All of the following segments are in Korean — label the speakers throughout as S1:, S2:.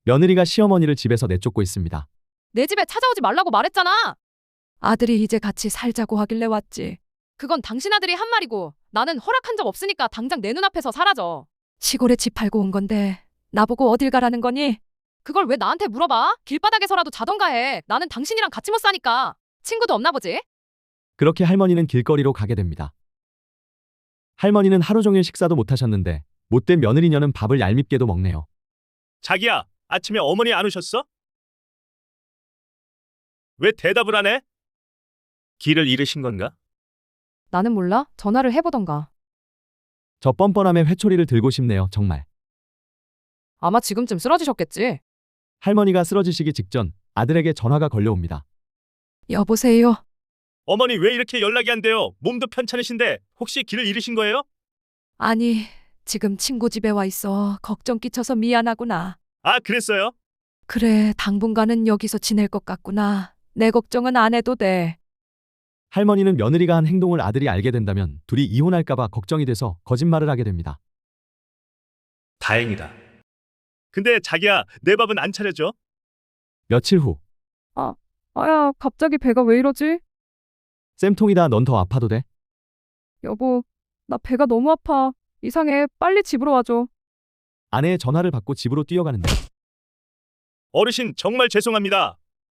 S1: 며느리가 시어머니를 집에서 내쫓고 있습니다.
S2: 내 집에 찾아오지 말라고 말했잖아.
S3: 아들이 이제 같이 살자고 하길래 왔지.
S2: 그건 당신 아들이 한 말이고 나는 허락한 적 없으니까 당장 내 눈앞에서 사라져.
S3: 시골에 집 팔고 온 건데 나보고 어딜 가라는 거니?
S2: 그걸 왜 나한테 물어봐? 길바닥에서라도 자던가 해. 나는 당신이랑 같이 못 사니까. 친구도 없나 보지?
S1: 그렇게 할머니는 길거리로 가게 됩니다. 할머니는 하루 종일 식사도 못 하셨는데 못된 며느리녀는 밥을 얄밉게도 먹네요.
S4: 자기야, 아침에 어머니 안 오셨어? 왜 대답을 안 해? 길을 잃으신 건가?
S2: 나는 몰라. 전화를 해보던가.
S1: 저 뻔뻔함에 회초리를 들고 싶네요, 정말.
S2: 아마 지금쯤 쓰러지셨겠지.
S1: 할머니가 쓰러지시기 직전 아들에게 전화가 걸려옵니다.
S3: 여보세요?
S4: 어머니 왜 이렇게 연락이 안 돼요? 몸도 편찮으신데 혹시 길을 잃으신 거예요?
S3: 아니, 지금 친구 집에 와 있어. 걱정 끼쳐서 미안하구나.
S4: 아, 그랬어요?
S3: 그래, 당분간은 여기서 지낼 것 같구나. 내 걱정은 안 해도 돼.
S1: 할머니는 며느리가 한 행동을 아들이 알게 된다면 둘이 이혼할까봐 걱정이 돼서 거짓말을 하게 됩니다.
S4: 다행이다. 근데 자기야, 내 밥은 안 차려줘?
S1: 며칠 후,
S2: 아야, 갑자기 배가 왜 이러지?
S1: 쌤통이다, 넌 더 아파도 돼?
S2: 여보, 나 배가 너무 아파. 이상해. 빨리 집으로 와줘.
S1: 아내의 전화를 받고 집으로 뛰어가는데
S4: 어르신 정말 죄송합니다.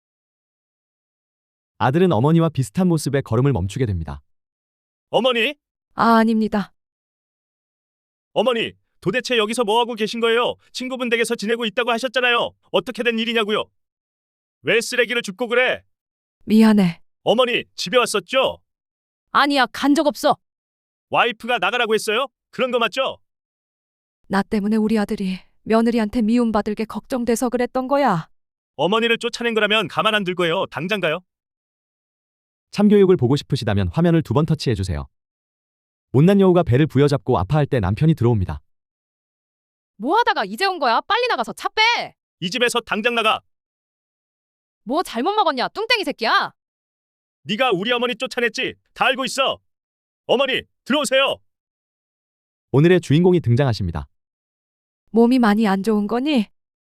S1: 아들은 어머니와 비슷한 모습에 걸음을 멈추게 됩니다.
S4: 어머니?
S3: 아, 아닙니다.
S4: 어머니, 도대체 여기서 뭐 하고 계신 거예요? 친구분 댁에서 지내고 있다고 하셨잖아요. 어떻게 된 일이냐고요? 왜 쓰레기를 줍고 그래?
S3: 미안해.
S4: 어머니, 집에 왔었죠?
S2: 아니야, 간 적 없어.
S4: 와이프가 나가라고 했어요? 그런 거 맞죠?
S3: 나 때문에 우리 아들이 며느리한테 미움받을 게 걱정돼서 그랬던 거야.
S4: 어머니를 쫓아낸 거라면 가만 안 둘 거예요. 당장 가요.
S1: 참교육을 보고 싶으시다면 화면을 2번 터치해주세요. 못난 여우가 배를 부여잡고 아파할 때 남편이 들어옵니다.
S2: 뭐 하다가 이제 온 거야? 빨리 나가서 차 빼.
S4: 이 집에서 당장 나가.
S2: 뭐 잘못 먹었냐? 뚱땡이 새끼야.
S4: 네가 우리 어머니 쫓아냈지? 다 알고 있어. 어머니, 들어오세요.
S1: 오늘의 주인공이 등장하십니다.
S3: 몸이 많이 안 좋은 거니?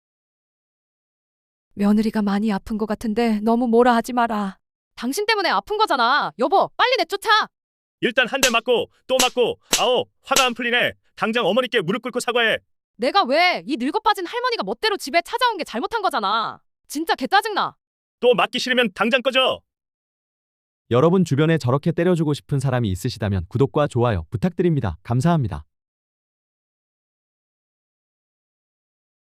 S3: 며느리가 많이 아픈 것 같은데 너무 뭐라 하지 마라.
S2: 당신 때문에 아픈 거잖아. 여보, 빨리 내쫓아.
S4: 일단 한 대 맞고 또 맞고 아오, 화가 안 풀리네. 당장 어머니께 무릎 꿇고 사과해.
S2: 내가 왜 이 늙어 빠진 할머니가 멋대로 집에 찾아온 게 잘못한 거잖아. 진짜 개 짜증나.
S4: 또 맞기 싫으면 당장 꺼져.
S1: 여러분 주변에 저렇게 때려주고 싶은 사람이 있으시다면 구독과 좋아요 부탁드립니다. 감사합니다.